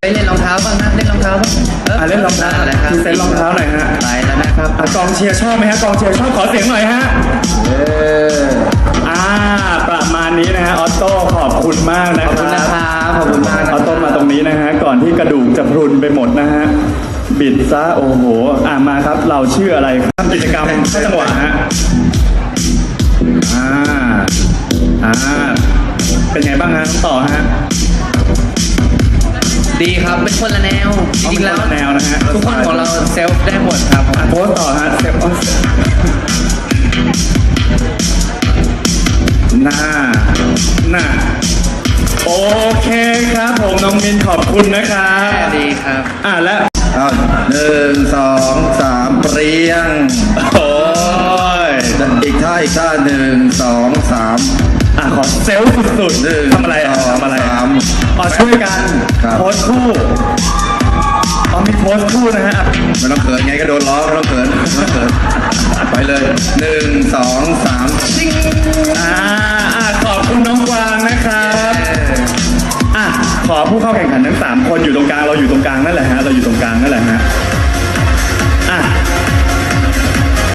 ไปเล่นรองเท้าบ้างนะเล่นรองเท้าบ้างเล่นรองเท้าอะไรครับคือเซ็นรองเท้าหน่อยฮะไปแล้วนะครับกองเชียร์ชอบไหมฮะกองเชียร์ชอบขอเสียงหน่อยฮะประมาณนี้นะฮะออโต้ขอบคุณมากนะคขอบคุณรันะบครับขอบคุณมากออโต้มาตรงนี้นะฮะก่อนที่กระดูกจะพรุนไปหมดนะฮะบิดซะโอ้โหมาครับเราชื่ออะไรทำกิจกรรมเข้าจังหวะฮะเป็นไงบ้างฮะต่อฮะดีครับเป็นคนละแนวจริงๆแล้วเป็นคนละแนวนะฮะทุกคนของเราเซลฟ์ได้หมดครับโพสต์ต่อฮะเซฟน่าโอเคครับผมน้องมินขอบคุณนะครับดีครับแล้ว 1 2 3เปรี้ยงโอ้ยอีกท่า1 2 3 ขอเซลล์สุดๆทำอะไรทำอะไรช่วยกันโพสต์คู่มีโพสต์คู่นะฮะไม่ต้องเขินไงก็โดนล้อไม่ต้องเขินไปเลย1 2 3ซิ่งขอบคุณน้องกวางนะครับขอผู้เข้าแข่งขันทั้ง3คนอยู่ตรงกลางเราอยู่ตรงกลางนั่นแหละฮะเราอยู่ตรงกลางนั่นแหละฮะ